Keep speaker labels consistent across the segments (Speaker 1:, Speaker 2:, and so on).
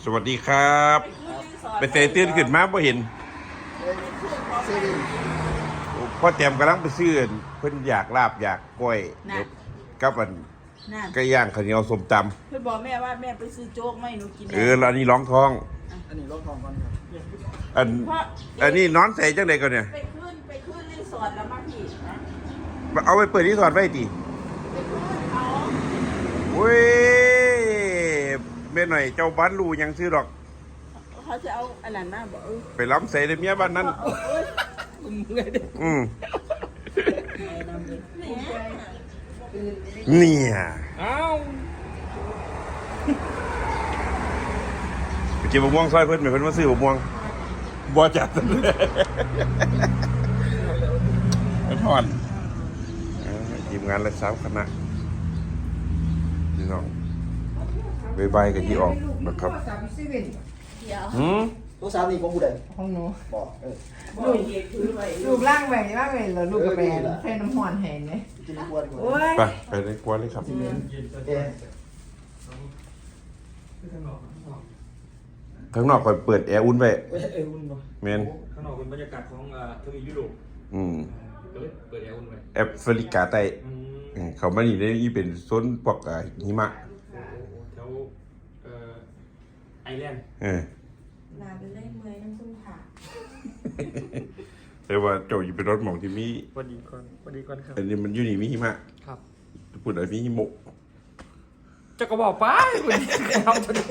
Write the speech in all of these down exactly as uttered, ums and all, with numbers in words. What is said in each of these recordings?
Speaker 1: สวัสดีครับไปเตะตื่นขึ้นมาบ่เห็นพ่อแจมกำลังไปซื้อเพิ่นอยากลาบอยากกล้วยกับอันไก่ย่างข้าวเหนียวส้มตำ
Speaker 2: เพิ่นบอกแม่ว่าแม่ไปซื้อโจ๊กไม่หนูกิน
Speaker 1: เออแล้วอันนี้ร้องท้อง
Speaker 3: อันนี้ร้องท้องก่อนครับ
Speaker 1: อันอันนี้นอนใส่จังได๋ก่อนเนี่ย
Speaker 2: ไปขึ้นไปขึ้นรีสอร์ทแล้วมาพี่
Speaker 1: เอาไปเปิดรีสอร์ทไว้ติ
Speaker 2: ไปขึ้นเขา
Speaker 1: โอ้ยแม่หน่อยเจ้าบ้านรู้ยังซื้อดอก
Speaker 2: เขาจะเอาอันนั้นมาบอกเออ
Speaker 1: ไปล้ำใส่ในเมียบ้านนั้นอืมเนี่ย
Speaker 3: อ้าว
Speaker 1: ไปเก็บมะม่วงซอยเพิ่นไปเพิ่นมาซื้อมะม่วงบ่จัดเลยไปทอดทีมงานละสามคณะพี่น้องใบใบกับที่ออกนะครับหืม
Speaker 3: ตัวสามนี่ของผู้ใด
Speaker 4: ของหนู
Speaker 3: บอกเออ
Speaker 2: ลูก
Speaker 4: ลูกล่างแหวนล่างแหวนแล้วลูกกระแบนแฟนน้ำหอนแหงเนี่ย
Speaker 3: กินกวนก่อน
Speaker 4: โอ้ย
Speaker 1: ไปไปในกวนเลยครับ
Speaker 3: เอ๊ะ
Speaker 1: ข้างนอกคอยเปิดแอร์อุ่นไว้
Speaker 3: เอ้ยอุ่นป่ะ
Speaker 1: แมน
Speaker 5: ข้างนอกเป็นบรรยากาศของทวีปยุโรป
Speaker 1: อืม
Speaker 5: ก็เลยเปิดแอร์อุ่นไว้
Speaker 1: แอฟริกาใต้เขามานี่ได้อีเป็นโซนพวกหิมะ
Speaker 5: แถวไอแลนด์
Speaker 1: เออ
Speaker 2: ลาไปเล่นเมย์น้ำซุ่มค่ะ
Speaker 1: แต่ว่าเจ้าอยู่เป็นรถหมองที่มี
Speaker 5: วันดีก่อนวันดีก่อนครับ
Speaker 1: อันนี้มันอยู่นี่มีหิมะ
Speaker 5: ครับ
Speaker 1: พูดอะไรมีหิมะ
Speaker 5: จะก็บอกไปวันนี้ทำตัวนี้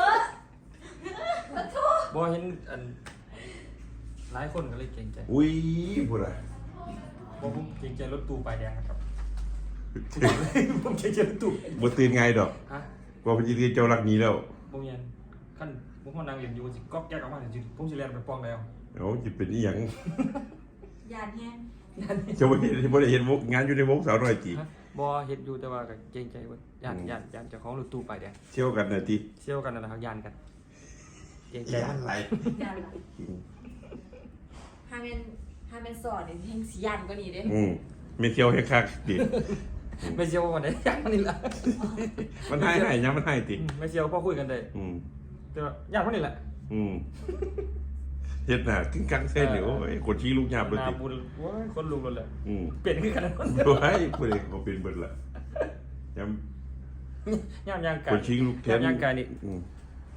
Speaker 5: บอเห็นอันหลายคนก็เลยเกรงใจ
Speaker 1: อุ้ยพูดอะไร
Speaker 5: บอผมเกรงใจรถตู้ปลายแดงนะครับผมเกรงใจรถตู้
Speaker 1: บ่ตื่นไงดอก
Speaker 5: ฮะ
Speaker 1: ว่าพี่เจ้ารักนี้แล้ว
Speaker 5: ผมยันขั้นผมพ่อนางเรียนอยู่สิก๊อกแยกออกมาจริงผมสิเรียนไปป้องแล้ว
Speaker 1: โอ้จะเป็นอีหยัง
Speaker 2: ยานแห้ง
Speaker 1: จะบ่เห็นบ่ได้เห็นวงงานอยู่ในวงสาวน้อยจี
Speaker 5: บอเห็นอยู่แต่ว่าก็เกรงใจว่าย่านย่านย่านเจ้าของรถตู้ปลายแดง
Speaker 1: เที่ยวกันน่ะติ
Speaker 5: เชี่ยวกันนะครับยานกันเกรงใจ
Speaker 1: ยา
Speaker 5: มัน น
Speaker 1: ไหล
Speaker 2: ยานถ้าเป็นถ้าเป็นสอดเนี่ยแห้งสียันก็นี่เด้
Speaker 1: อืมไม่เที่ยวให้คักติ
Speaker 5: ไม่เชี่ยววันไหนยานมันนี่ละ
Speaker 1: มันให้ให้ยังมันให้ติ
Speaker 5: ไม่เชี่ยวพอคุยกันได้
Speaker 1: อืม
Speaker 5: แต่ว่ายานมันนี่แหละ
Speaker 1: อืมเฮ็ดหน้ากิ้งกังเส้นนี่โอ้ยคนชี้ลูกยามเลย
Speaker 5: นา
Speaker 1: ติ
Speaker 5: บุญโอ้ยคนลุงเลยแหละ
Speaker 1: อืม
Speaker 5: เปลี่ยนขึ้นกันแล้ว
Speaker 1: บ่ให้ผู้ใดก็เป็นเบิดละยาม
Speaker 5: ย่านยางกา
Speaker 1: ค
Speaker 5: ย
Speaker 1: นชี้ลูกแทน
Speaker 5: ย่างกายนี่
Speaker 1: อืม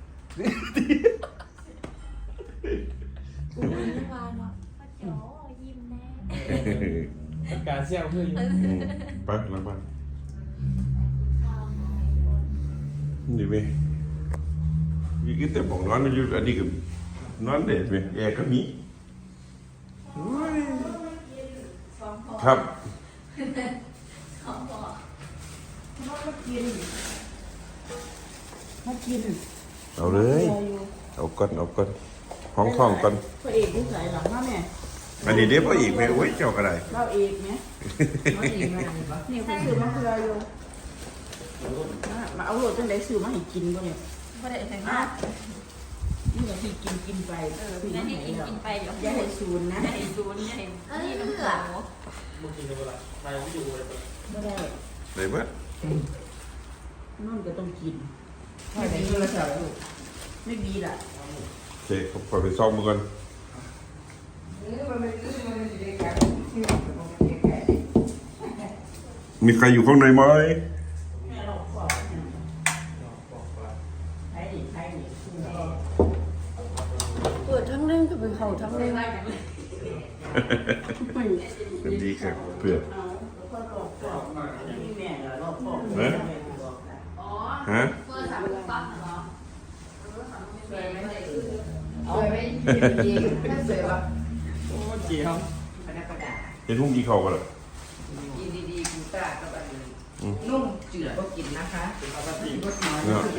Speaker 6: อุ้ยวานเนาะป้าจ๋อยิ้มแน่
Speaker 5: การเชี่ยวเพื่อน
Speaker 1: อืมไปหลังบ้านนี่เว้ยนี่ก็แต่บอกนอนอยู่อันนี้ก็นอนเด็ดเว้ยแอร์ก็มีโอ้ยครับ
Speaker 2: มากิน
Speaker 1: เอาเลยเอาก่อนเอาก่อนห้องท้องก่อน
Speaker 2: พระเอกที่ใส่หลังมาแม่
Speaker 1: อันนี้เดี๋ยวพออีกไหมโอ้ยเจ้าก็ได้
Speaker 2: เราเอกเนี่ยนี่คุณซื้อมาเพื่ออยู่มาเอาโรดจังไดซื้อมาให้กินบ่เนี่ย
Speaker 6: ไม่ได้ใส่
Speaker 2: อ่ะ
Speaker 6: มาก
Speaker 2: นี่ก็ที่กินกินไปเออ
Speaker 6: นั่นที่กินกินไปเดี๋ยว
Speaker 2: อย่าให้ศูนย์นะ
Speaker 6: อย่าให้ซูนอย่าให้นี่น้ำเกลือ
Speaker 5: มึงกินกันเวลาไปไม่ดูเลย
Speaker 2: ไม่ได้
Speaker 1: ได้เบิด
Speaker 2: นั่นก็ต้องกิน
Speaker 4: ไม่ได้โทรศัพท์ลูก
Speaker 2: ไม่มีล่ะ
Speaker 1: โอเคผมขอไปซ่อมมือก่อน
Speaker 4: เออมันไม่ได้มันไม่ได้การที่มันไม่ได้การ
Speaker 1: มีใครอยู่ข้างในไหม
Speaker 2: แม่เราขอให้ดิให้ดิเปิดทั้งเล่นก็เป็นเขาทั้งเล่น
Speaker 1: สวัสดีครับเพื่อน
Speaker 2: นี่แม่เราขอ
Speaker 1: ฮะฮะ
Speaker 6: เพื่อสามปั๊บเหรอ
Speaker 4: สวยไหมสวยไหมดีๆถ้าสวยป่ะ
Speaker 5: โอ้เจียว
Speaker 4: คณะประดา
Speaker 1: เห็นพุ่งกี่เขากันเหรอ
Speaker 4: กินดีๆคุณตากับอันนุ่มจืดก็กินนะคะเอาแบบนี้ก็น้อย
Speaker 1: เนาะ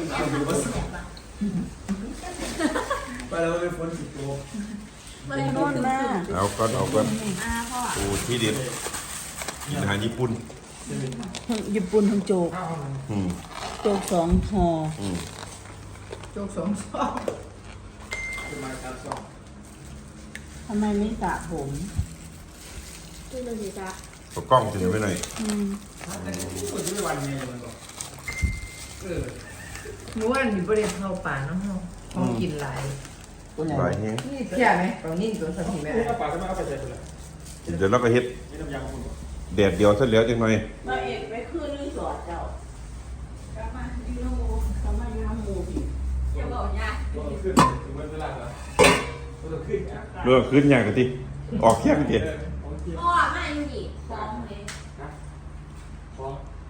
Speaker 5: ไปแล้วไปฝนสิบโล
Speaker 2: ไม่นอนแม่
Speaker 1: เอาก่อนเอาก่อน
Speaker 6: อ่าพ่อ
Speaker 1: โอ้ที่เด็ดกินอาหารญี่ปุ่น
Speaker 2: ญี่ปุ่นทั้งโจก
Speaker 1: อืม
Speaker 2: โจกสองห่อ
Speaker 1: อืม
Speaker 4: โจกสองซอง
Speaker 5: จะมาการสอบ
Speaker 2: ทำไมไม่สระผม
Speaker 6: ตู้เลยสิจ๊ะ
Speaker 1: เอากล้องจะอยู่ไว้หน่อย
Speaker 2: อืม
Speaker 5: คนที่ไม่วันไงมันบอกเออ
Speaker 4: หนูว่ามีประเด็นเข้าป่าน้ำห้องของกินหลาย
Speaker 3: ตัวใหญ่
Speaker 1: หลายแฮง
Speaker 4: นี่เชื่อไหมตรงนี้ตัวสักทีแม่
Speaker 5: เอาปลาก็มาเอาไปใส่ไปเลย
Speaker 1: เดี๋ยวเราก็เฮ็ด
Speaker 5: นี่น้ำยาคุณ
Speaker 1: แดดเดียวซะแล้วจังหน่อย
Speaker 2: มาเอกไปคืนรีสอร์ทเจ้ากลับมาอยู่น้ำมูกลับมาอยู่น้ำมูพี่
Speaker 6: อย่าบอกยาก
Speaker 5: ตัวขึ้นถึงเวลาแล้วตัวขึ้นอ่ะ
Speaker 1: เรื่องขึ้นยากกันติออกแค่ไม่เก็บ
Speaker 6: พ่อมาอยู่ดิฟ้องเลย
Speaker 5: ฟ้อง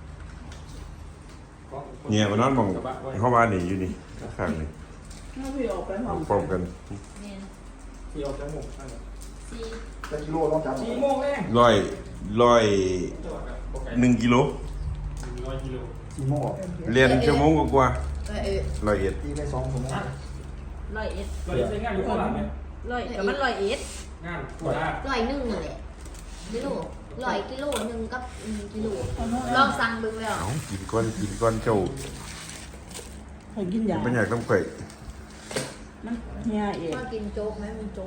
Speaker 1: เนี่ยมันนอนมองเข้ามานี่อยู่นี่ข้างๆนี่
Speaker 2: ถ้าพี่ออกไปห้อง
Speaker 1: พร้อมกัน
Speaker 6: เนี่ย
Speaker 5: ที่ออกจมูก
Speaker 6: สี่
Speaker 3: จะกิโลต้องจำ
Speaker 5: สี่โมงแรก
Speaker 1: ร้อยร้อย
Speaker 5: จังหวัดแบบโอเค
Speaker 1: หนึ่งกิโล
Speaker 5: ร้อยกิโล
Speaker 3: สี่โมง
Speaker 1: เรียนชั่วโมงกว่า
Speaker 4: เออเออ
Speaker 1: ๆร้อยเอ็ด
Speaker 3: ตีไปสองชั่วโมง
Speaker 6: ร้อยเอ็ด
Speaker 5: เราจะใช้งานอยู่ข้างหลังเนี่ย
Speaker 6: ร้อยแต่มันร้อยเอ็ด
Speaker 5: งานตัวละ
Speaker 6: ร้อยหนึ่งนี่แหละกิโลร้อยกิโลหนึ่งกับหนึ่งกิโลลองสั่งเบิ่งแล้ว
Speaker 1: เอากินก้อนกินก้อนเจ้า
Speaker 2: เคยกินยา
Speaker 1: ไม่อยากต้องไข่
Speaker 2: มันเฮียเอง
Speaker 6: ว่ากินโจ๊กไหมมันโจ๊ก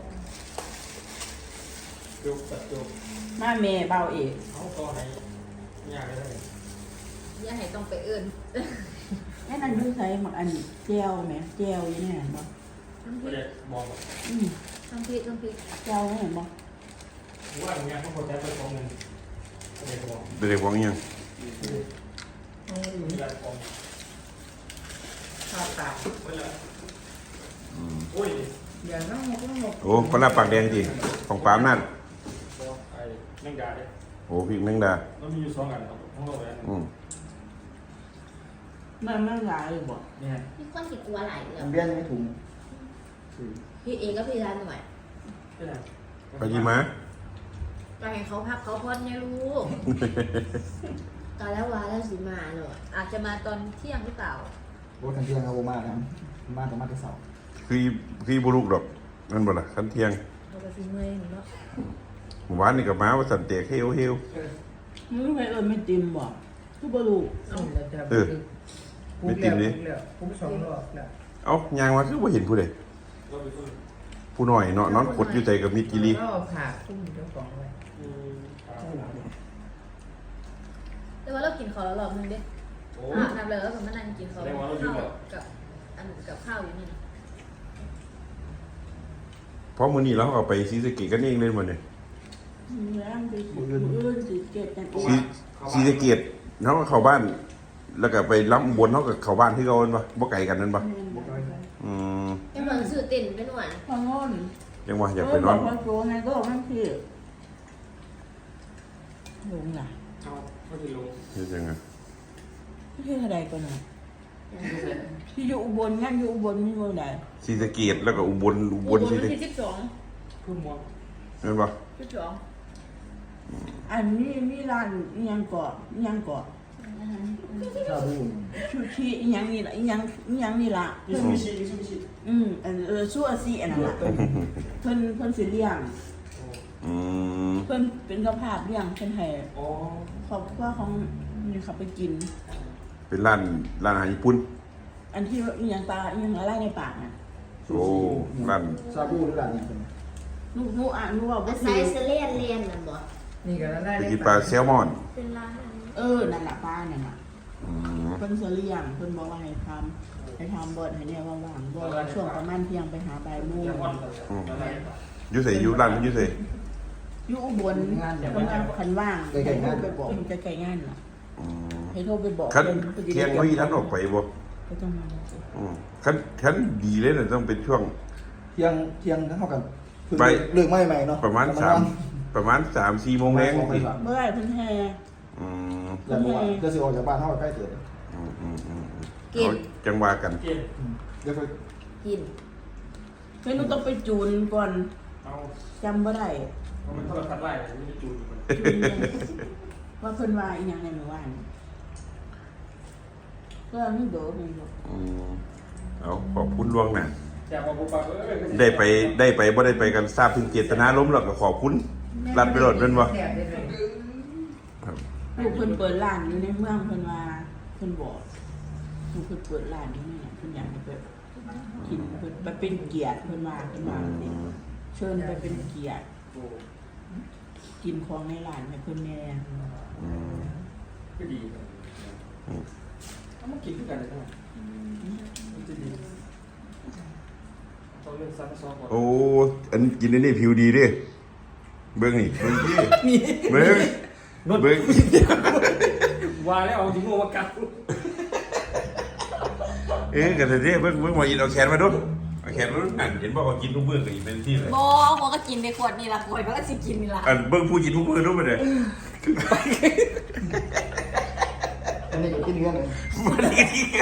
Speaker 5: จุกตัดจุก
Speaker 2: มาเมย์เบาเอก
Speaker 5: เขาก็ให้ยากเลย
Speaker 6: อย่าให้ต้องไปเอื้น
Speaker 2: แค่นั้นคือใช้หมักอันเจลไหมเจลอยังไงเห็นบ่
Speaker 6: น้ำพ
Speaker 5: ไม่
Speaker 6: ริ
Speaker 5: ได้
Speaker 6: ก
Speaker 5: มองแบบ
Speaker 2: อืม
Speaker 6: น้ำพริกน้ำพริก
Speaker 2: เจลเห็นบ่
Speaker 5: ว่าอย่างเงี้ยเขาคนแท้ไปของเงินไม่ได้ของ
Speaker 1: ไปเด็กวังยัง
Speaker 5: มีอะไรของ
Speaker 4: ข้าวตา
Speaker 5: ไม่ละโอ้ย
Speaker 4: เดี๋ยวน้องหมกน้องหมก
Speaker 1: โอ้ปลาปากแดงจริงของปามนั่น
Speaker 5: ไอ้แมงดาเนี่ย
Speaker 1: โอ้พริกแมงดา
Speaker 5: มันมีอยู่สองอันครับทั้งโลกเลย
Speaker 1: อืม
Speaker 2: มันมันหลายเลยบ่
Speaker 5: เนี่ย
Speaker 6: มีคนติดกลัวหลายเรื่อ
Speaker 3: มั
Speaker 6: ง
Speaker 3: นเบี้ยยังไม่ถุง
Speaker 6: พี่เอก็พี่ร้านหน่อย
Speaker 5: ใช่ไหม
Speaker 1: ไปยี่มา
Speaker 6: ก็ให้เขาพักเขาพอดไงลูกตอนแล้ววาแล้วสิมาเนอะอาจจะมาตอนเที่ยงหรือเปล่าร
Speaker 3: ถทันเที่ยงครับโอมาครับมาแต่มาแต่เสาร์
Speaker 1: คือคือบุรุษดอกนั่นบ่ล่ะคันเที่ยง
Speaker 6: เขาก็สิเมื่อยเนาะ
Speaker 1: หมู่บ้านนี่กับม้าว่าสันเตกเฮวเฮว
Speaker 2: มึงไปเอิญไม่จิ้มบ่คือบ่รู้
Speaker 1: เออไม่ติมดิ
Speaker 4: คุ้มสองรอบแล้ว
Speaker 1: เอ้ายางมาคือว่าเห็นผู้ใด
Speaker 5: เราไปคุย
Speaker 1: ผู้น้อยเนาะนอนขดอยู่ใจกับมิตรกิรี
Speaker 4: ก็ผ่าคุ้มเจ้าของไว้
Speaker 5: อืม
Speaker 6: แต่ว่าเรากินข้าวแล้วรอบนึงเด้
Speaker 5: โอ้
Speaker 6: อาบน้ำเลยแล้วก็มานั่งกินข้าวข้าวกับอันกับข้าวอยู่นี่นะ
Speaker 1: เพราะมื้อนี้เราเอาไปซีสะเกตกันเองเลยมื้อนี้
Speaker 2: มึงแล้วไปสิมืออื่นสิเก็บกันเอ
Speaker 1: ซี
Speaker 2: ง
Speaker 1: ซีสะเกตเฮาก็เข้าบ้าน แล้วก็ไปล้ำอุบลเฮาก็เข้าบ้านที่เก่าแม่นบ่บ่ไกลกันนั่นบ่อืม
Speaker 6: ยังเหมือนสื่อติ่นไปหน่วย
Speaker 2: พองอน
Speaker 1: ยังว่าอยากไปนอน
Speaker 2: เบกว่าโจไงก็มันคือลงล่ะ
Speaker 5: เอาไม่ได้ลง
Speaker 1: เฮ็ดจังไง
Speaker 2: ที่เท่าใดก็น่ะที่อยู่อุบลงั้นอยู่อุบลมีเมืองใด
Speaker 1: ซีสะเกตแล้วก็อุบลอุบลซี
Speaker 6: วัน
Speaker 1: สะ
Speaker 6: ที่สิบสอง
Speaker 5: พุ่มมอง
Speaker 1: แม่นบ่
Speaker 6: สิบสอง
Speaker 2: อันนี้มีร้านอีหยังเกาะอีหยังเกาะ
Speaker 3: ชาบู
Speaker 2: ชูชีอีหยังนี่ล่ะอีหยังอีหยังนี่ล่ะ
Speaker 5: มิซูบิชิมิซูบิชิ
Speaker 2: อืมอันเออชั่วซีอันนั้นล่ะเพิ่นเพิ่นสิเลี้ยง
Speaker 1: อืม
Speaker 2: เพิ่นเป็นกระภาพเลี้ยงเพิ่นให้
Speaker 5: อ๋อ
Speaker 2: ครอบครัวของนี่เขาไปกิน
Speaker 1: เป็นร้านร้านอาหารญี่ปุ่น
Speaker 2: อันที่อีหยังปลาอีหยังอะไรในปากน่ะ
Speaker 1: โอ้ร้าน
Speaker 3: ชาบูหรืออะไรนี่เป็น
Speaker 2: ลูกหนูอ่านหนูว่าบ่
Speaker 6: อา
Speaker 2: คื
Speaker 6: ศัย
Speaker 2: อ
Speaker 6: เซเลียนเรียนนั่นบ่
Speaker 4: นี่ก็ได้
Speaker 1: ไป
Speaker 4: เลย
Speaker 1: กินปลาแซลมอน
Speaker 6: เป็นร้านอันนี้
Speaker 2: เออนั่นล่ะปลานั่นน่ะ
Speaker 1: อืม
Speaker 2: เพิ่นสิเลี้ยงเพิ่นบอกว่าให้ทำให้ทำเบิดให้เนี่ยว่างๆบ่ว่าช่วงประมาณเที่ยงไปหาบ่ายโมง
Speaker 5: ยังอ่อนอะไร
Speaker 1: อยู่ไสอยู่ร้านอยู่ไส
Speaker 2: อยู่อุบลเพิ่นว่าคันว่างให้โทรไปบอกมันจะไกลงานน่ะ
Speaker 1: อืม
Speaker 2: ให้โทรไปบอก
Speaker 1: คัน
Speaker 2: พิ่นพิ่นสิ
Speaker 1: เที่ยง
Speaker 2: ได้
Speaker 1: บ่มีทันออกไปบ่
Speaker 2: ก็ต้องมา
Speaker 1: อืมคันคันดีเลยน่ะต้องเป็นช่วง
Speaker 3: เที่ยงเที่ยงเท่ากัน
Speaker 1: ไป
Speaker 3: เลือกไม่ใหม่เนาะ
Speaker 1: ประมาณสามประมาณสามสี่โมงแรงสิ
Speaker 2: เมื่อไหร่เพิ่นแห่
Speaker 1: อืม
Speaker 3: แล้วบอกว่าจะซื้อออกจากบ้านเท่ากับใกล้เกิด
Speaker 1: อืมอืมอืมอืมเอาจังหวะกัน
Speaker 5: เกณฑ์
Speaker 3: เดี๋ยวไป
Speaker 6: กิน
Speaker 2: เพิ่นต้องไปจูนก่อน
Speaker 5: เอา
Speaker 2: จำบ่ได้
Speaker 5: เอามันเท่ากับทัดไล่ไม่ได้จูนมัน
Speaker 2: จูนยังว่าเพิ่นว่าอีหยังในหมู่บ้านก็มีโดดมีโดด
Speaker 1: อืมเอาขอบคุณล่วงหน้า
Speaker 5: แต่พอปุ๊บปั๊บเออ
Speaker 1: ได้ไปได้ไปบ่ได้ไปกันทราบถึงเจตนาล้มแล้วก็ขอบคุณรัดไปโลดเป็นบ่
Speaker 4: แสบได้เลย
Speaker 1: ครับ
Speaker 2: ลูกเพิ่นเปิดร้านอยู่ในเมืองเพิ่นว่าเพิ่นบอกลูกเพิ่นเปิดร้านอยู่นี่น่ะเพิ่นอยากให้ไปกินเพิ่นไปเป็นเกียรติเพิ่นว่าเพิ่นว่าสิเชิญไปเป็นเกียรติ
Speaker 5: โอ้
Speaker 2: กินของในร้านให้เพิ่นแน่
Speaker 1: อืม
Speaker 5: ก็ดีเอามากินด้วยกันเลยนะมันจะดีเป็นซันซองก่อน
Speaker 1: โอ้อันกินอันนี้ผิวดีดิเบิ้งนี่เบิ้งที่เบิ้ง
Speaker 5: นด
Speaker 1: เบิ้ง
Speaker 5: ว่าแล้วเอาจริงโง่มากัด
Speaker 1: เอ๊ะกันเด้เบิ้งเบิ้งมาอินเอาแขนมาดูเอาแขนมาดูนั่นเห็นบอกว่ากินทุกมื้อก็อีกเป็นที่เลย
Speaker 6: โบหัวก็กินในขวดนี่ละขวดมันก็สิกินนี่ละ
Speaker 1: อันเบิ้งผู้กินทุกมื้อดูมาเลย
Speaker 3: อันนี้ก็กินเนื้อเลย
Speaker 1: มันได้ที่กัน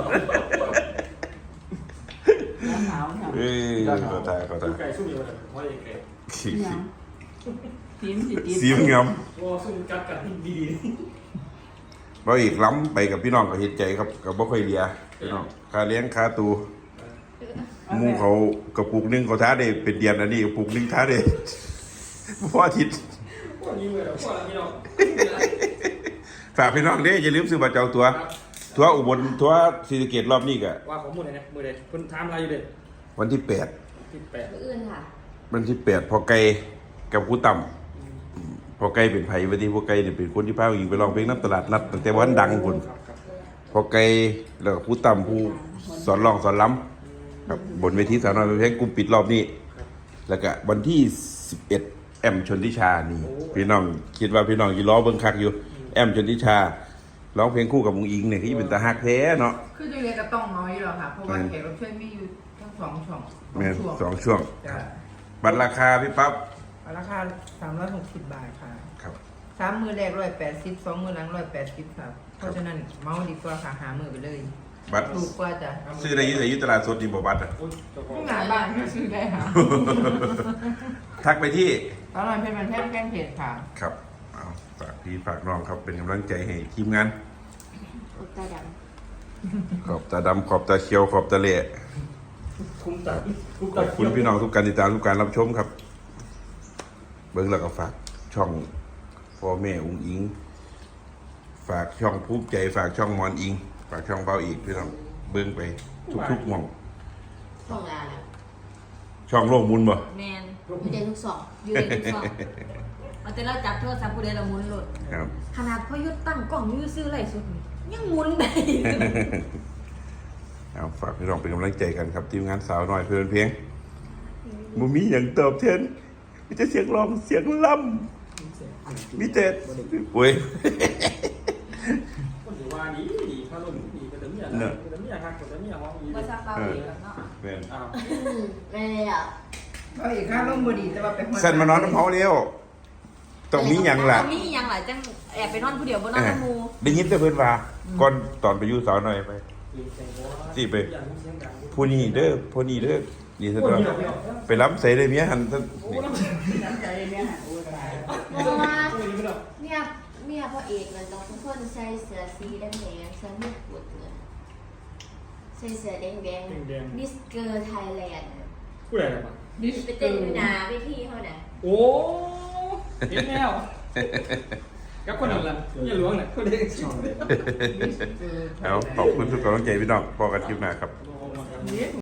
Speaker 2: หนาวหนาว
Speaker 1: เอ้ยเขาตายเขาตา
Speaker 5: สู้
Speaker 1: ย
Speaker 5: ไก่สู้เดียวกันเพราะไอ้ไก่
Speaker 1: ขี้
Speaker 2: หยังทีมสิติด
Speaker 1: สีมงาม
Speaker 5: ว่าสู้กัดกัดดี
Speaker 1: บ่อีกล้ำไปกับพี่น้องก็เห็นใจครับกับบ่ค่อยเลียพี่น้องค่าเลี้ยงค่าตูหมู่เขากระปุกหนึงเขาท้าได้เป็นเดือนอันนี้กระปุกหนึงท้าได้ พออาทิตย์
Speaker 5: ๆพวกนี้เลยพวกนี้เนาะ
Speaker 1: ฝากพี่น้องเด้อย่าลืมซื้อบัตรจองตัวทัวร์อุบลทัวร์ศรีสะเกษรอบนี้ก็
Speaker 5: ว่าของมือไหนนะมือไหนคุณทำอะไรอยู่เด็ด
Speaker 1: วันที่แปด
Speaker 5: ที่แปด
Speaker 6: มืออื่นค่ะ
Speaker 1: วันที่แปดพอไกลกับครูต่ำพอไกลเป็นไผวันที่พอไกลเนี่ยเป็นคนที่พาผู้หญิงไปร้องเพลงน้ำตลาดนัดตั้งแต่วันดังพุ่น
Speaker 5: ครับครับ
Speaker 1: พอไกลแล้วก็ครูต่ำผู้สอนร้องสอนล้ำครับบนเวทีสาวน้อยเพลงกลุ่มปิดรอบนี้ แล้วก็วันที่สิบเอ็ดแอมชนทิชานี่พี่น้องคิดว่าพี่น้องยีล้อเบิ่งคักอยู่แอมชนทิชาร้องเพลงคู่กับมุงอิงเนี่ยที่เป็นตาฮักแท้เนาะ
Speaker 4: คือจะเรียนก็ต้องน้อยหรอกค่ะ เพราะว่าแขกรับเชิญมีอยู่ทั้งสองช่อง
Speaker 1: แม่น
Speaker 4: ช่วง
Speaker 1: สองช่วง
Speaker 4: จ้ะ
Speaker 1: บัตรราคาพี่ปั๊บ
Speaker 4: ราคาสามร้อยหกสิบบาทค่ะ
Speaker 1: ครับ
Speaker 4: สามมือแรกร้อยแปดสิบสองมือหลังร้อยแปดสิบครับ เพราะฉะนั้นเมาดีกว่าค่ะหามือไปเลย
Speaker 1: บัตร
Speaker 4: ถูกกว่าจ้ะ
Speaker 1: ซื้อได้อยี่แต่ยี่ตลาดสดดีบ่บัตรอะ
Speaker 5: โอ้ยเจ้าของ
Speaker 4: ผู้งานบ้านก็ซื้อได้ค่ะ
Speaker 1: ทักไปที่
Speaker 4: ตอนนั้นเป็นมันแพทย์แป้งเผ็ดค่ะ
Speaker 1: ครับเอาฝากพี่ฝากน้องครับเป็นกำลังใจให้ทีมงาน
Speaker 6: อุตตาด
Speaker 1: ขอบตาดำขอบตาเขียวขอบตาเละ
Speaker 5: คุ้มตัดคุ้ม
Speaker 1: ข
Speaker 5: ตั
Speaker 1: อ
Speaker 5: ด
Speaker 1: บคุณพี่น้องทุกการติดตามทุกการรับชมครับ เบิ้งแล้วก็ฝากช่องพ่อแม่อุ้งอิง ฝากช่องภูมิใจฝากช่องมอนอิง ฝากช่องเบาอีกพี่น้องเบิ้งไปทุกๆหม่อง
Speaker 6: ำช่องลาแล้ว
Speaker 1: ช่องโลกมุนบ่
Speaker 6: แมนอยู่ในทุกสองอยู่ในทุกสองมันจะเราจับโทรศัพท์ผู้ใดเราหมุนหลุด
Speaker 1: ครับ
Speaker 6: ขนาดพ่อยุดตั้งกล้องอยื้อซื้อไรสุดนี่ยังหมุนได้
Speaker 1: เอาฝากพี่น้องเป็นกำลังใจกันครับทีมงานสาวน้อยเพื่อนเพลงบ่มีอย่างตอบแทนมีแต่เสียงร้องเสียงล่ำมีแต่โอ้ย
Speaker 5: คนถือว่าดีดีถ้าลงดีก็จะมีอะไรก็จะมีอะไรก็จะมีอะไรห้องนี้
Speaker 6: ภาษาเปล่าเองเนาะ
Speaker 1: แม่น
Speaker 5: อ้าว
Speaker 6: ไม่ได้อ่ะ
Speaker 4: ก็อีกค่าร่มบดีแต่ว่าไปหัว
Speaker 1: เส้นมานอนน้ำเฮาเร็วต้องมีหยังล่ะ
Speaker 6: มีหยังหลายจังแอบไปนอนผู้เดียวบนนอนน้ำมู
Speaker 1: ได้ยินแต่เพิ่นว่าก่อนตอนไปอยู่สาวน้อยไป สิไป ผู้นี้เด้อผู้นี้เด้อนี่ซะตัวไปรับใส่ได้เมียหันซะนี่
Speaker 2: น้ำใจเนี่ยโอ้ยตาย
Speaker 6: เพราะว่าเนี่ยเมียพ่อเอกมันต้องทุกคนใส่เสื้อสีแดงๆใส่หมวกปุดเลยใส่เสื้อแดงๆมิสเกอร์ไทยแลนด์
Speaker 5: ผู้ใดอะไรบ้าง
Speaker 6: ไปเต้นอยู่หนาไปที่เขาน่ะ
Speaker 5: โอ้เห็นแล้วกับคนนั้นล่ะอย่าหลวงน่ะคนเด็กชอบเลย
Speaker 1: เอาขอบคุณทุกกำลังใจพี่น้องพอกันคลิปหน้าครับ
Speaker 4: นี่